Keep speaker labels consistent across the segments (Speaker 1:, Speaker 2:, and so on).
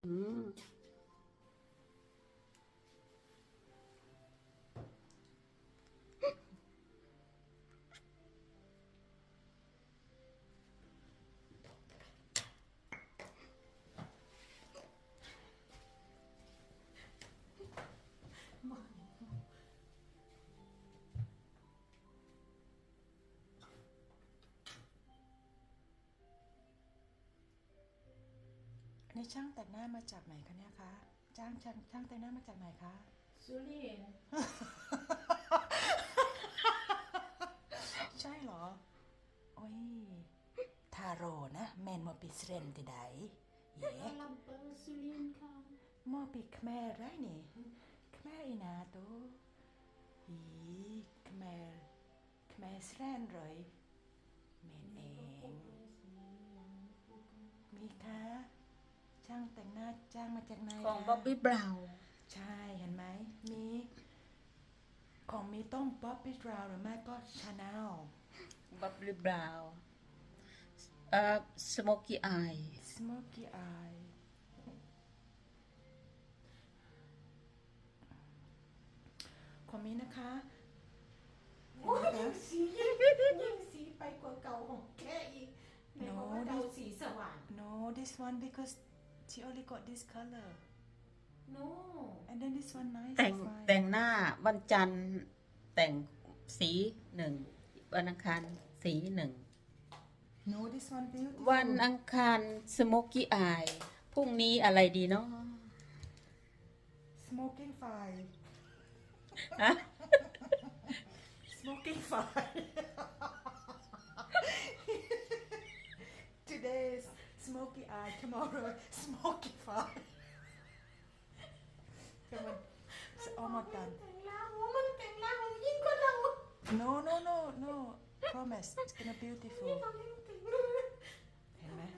Speaker 1: อืม
Speaker 2: นี่ช่างแต่งหน้ามาจากไหนคะเนี่ยคะช่างแต่งหน้ามาจากไหนคะ
Speaker 3: สุรินทร์
Speaker 2: ใช่เหรอโอ้ยทาโร่นะแมนมอปิสเรนติไดเย่
Speaker 3: ลำเปอร์สุรินทร์ค่ะ
Speaker 2: มอปิขแม่ไรนี่ขแม่อีนาโตอีขแม่สแรนเลยเมนเองมีคะช่างแต่งหน้าจ้างมาจากไหน
Speaker 1: ของ
Speaker 2: คะ
Speaker 1: บ๊อบบี้บราวน์
Speaker 2: ใช่เห็นไหมมีของมีต้องบ๊อบบี้บราวน์หรือไม่ก็ชาแนล
Speaker 1: บ๊อบบี้บราวน์สโมกี้อาย
Speaker 2: Smoky Eye ของมีนะคะเห็นไหมคะ
Speaker 3: ยิ่งสีไปกว่าเก่าของแกอีกไหนบอกว่าเราสีสว่าง
Speaker 2: No this one because she only got this color
Speaker 3: no
Speaker 2: and then this one nice
Speaker 1: แต่ง
Speaker 2: is fine
Speaker 1: แต่งหน้าวันจันทร์แต่งสีหนึ่งวันอังคารสีหนึ่ง
Speaker 2: No this one beautiful
Speaker 1: วันอังคารสโมกี้อายพรุ่งนี้อะไรดีเนาะ
Speaker 2: Smoking fire
Speaker 1: ฮะ
Speaker 2: Smoking fire Today is smoky eye tomorrow smoky fire ก็มัน almost done
Speaker 3: แต่งล่างมันแต่งล่างยิ่งกว่าเรา
Speaker 2: No promise it's gonna beautiful
Speaker 3: เราเล่นแต่ง
Speaker 2: เห็นไหม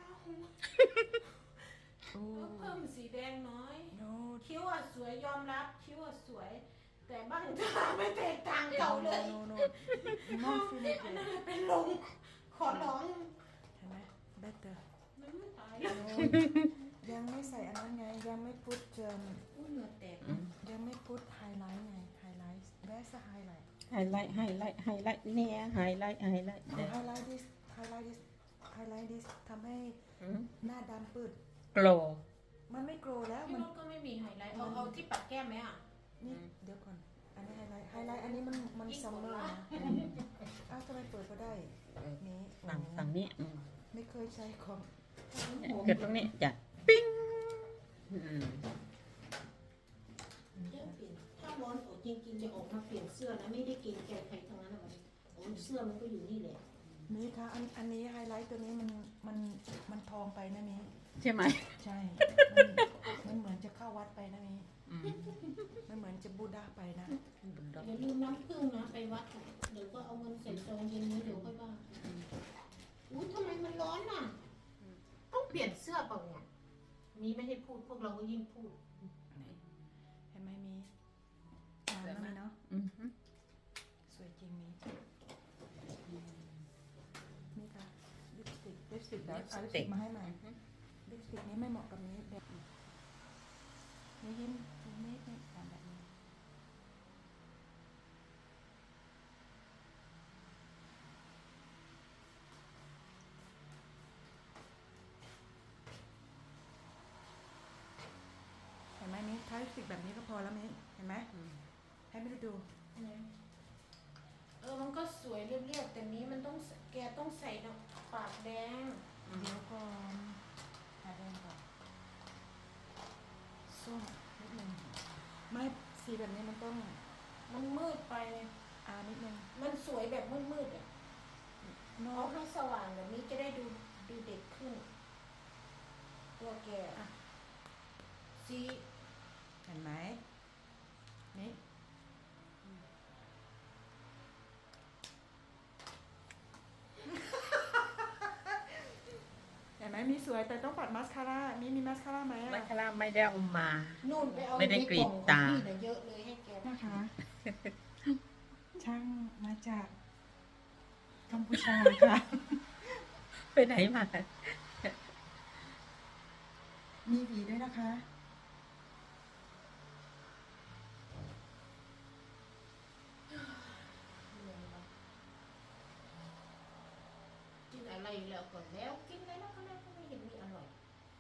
Speaker 2: โอ้
Speaker 3: เพิ่มสีแดงน้อย
Speaker 2: No
Speaker 3: คิ้วอ่ะสวยยอมรับคิ้วอ่ะสวย แต่บ้างตาไม่แตกต่างเก่าเลย
Speaker 2: No non finish
Speaker 3: อัน
Speaker 2: it
Speaker 3: นั้นเป็นลงขอร้อง
Speaker 2: เห็นไหม better
Speaker 3: มันไม่ตายแล้ว
Speaker 2: No ยังไม่ใส่อันนั้นไงยังไม่พุท
Speaker 3: เหงื่อแตก
Speaker 2: ยังไม่พุทไฮไลท์ไงไฮไลท์ where's the highlight
Speaker 1: ไฮไลท์เนี่ยไฮไลท์
Speaker 2: highlight this highlight this ทำให้หน้าดำปืด
Speaker 1: โกล
Speaker 2: มันไม่โกรแล้ว
Speaker 3: พี่
Speaker 2: มัน
Speaker 3: นุชก็ไม่มีไฮไลท์เอาที่ปัดแก้มไหมอ่ะ
Speaker 2: นี่เดี๋ยวก่อนอันนี้ไฮไลท์อันนี้มันซัมเมอร์นะอ้าวทำไมเปิดก็ได้นี้
Speaker 1: ฝั่งนี้
Speaker 2: ไม่เคยใช้ของ
Speaker 1: เกิดตรงนี้จ้ะปิ้ง
Speaker 4: ถ้าร้อนอกจริงๆจะออกมาเปลี่ยนเสื้อนะไม่ได้เกรงใจใครทั้งนั้นนะเสื้อมันก็อยู่นี่แหละ
Speaker 2: มีค่ะอันนี้ไฮไลท์ตัวนี้มันทองไปนะมี
Speaker 1: ใช่ไหม
Speaker 2: ใช่มันเหมือนจะเข้าวัดไปนะมีมันเหมือนจะบูดาไปนะ
Speaker 4: อย่าลืมน้ำผึ้งนะไปวัดเดี๋ยวก็เอาเงินใส่ซองเย็นนี้เดี๋ยวค่อยว่าอุ้ยทำไมมันร้อนน่ะต้องเปลี่ยนเสื้อเปล่าเนี่ยมีไม่ให้พูดพวกเราก็ยิ่งพูด
Speaker 2: เห็นไหมมีงามแล้วมีเนาะสวยจริงมีค่ะลิปสติกแบบเอาลิปสติกมาให้ใหม่ลิปสติกนี้ไม่เหมาะกับนี้แบบนี้ยิ้มนิดแบบนี้เห็นไหมมิ้นทาลิปสติกแบบนี้ก็พอแล้วมิ้นเห็นไหมให้ไม่ได้ดู
Speaker 3: มันก็สวยเรียบๆแต่นี้มันต้องแกต้องใส่ปากแดง
Speaker 2: เดี๋ยวก่อนหาแดงก่อนส้มนิดนึงไม่สีแบบนี้มันต้อง
Speaker 3: มันมืดไป
Speaker 2: นิดนึง
Speaker 3: มันสวยแบบมืดๆอ่ะ
Speaker 2: โน
Speaker 3: เอาให้สว่างแบบนี้จะได้ดูเด็กขึ้น ตัวแกสี
Speaker 2: เห็นไหมนี่เห็นไหมมีสวยแต่ต้องปัดมาสคาร่ามีมาสคาร่าไหม
Speaker 1: มัคคาราไม่ได้เอามา
Speaker 3: นู่นไปเอา
Speaker 1: ไม่ได้กรีดตา
Speaker 3: ในกล่องของพี่น่ะเยอะเลยให้แก
Speaker 2: นะคะ ช่างมาจากกัมพูชา ค่ะ
Speaker 1: ไปไหนมา
Speaker 2: เห็นไหมมีสวยแต่ต้องปัดมาสคาร่ามีมาสคาร่าไหม
Speaker 1: ไม่ได้กรีดตา
Speaker 2: ช่างมาจากกัมพูชาค่ะ
Speaker 1: ไปไหนมา
Speaker 2: ช่างมาจากกัมพูชาค่ะ
Speaker 1: ไปไหนมา
Speaker 2: ช่างมาจากกัมพูชาค่ะ
Speaker 1: ไป
Speaker 2: มีหวีด้วยนะคะ
Speaker 4: กินอะไรแล้วก่อนแล้วกินอะไรแล้วก็แล้วก็ไม่เห็นมีอร่อย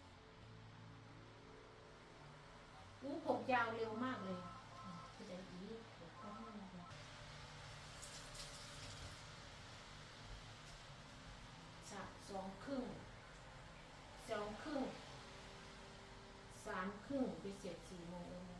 Speaker 4: ผมยาวเร็วมากเลยคือจะดีผมก็ไม่รู้สองครึ่ง2 ครึ่ง3 ครึ่งไปเสร็จ4 โมง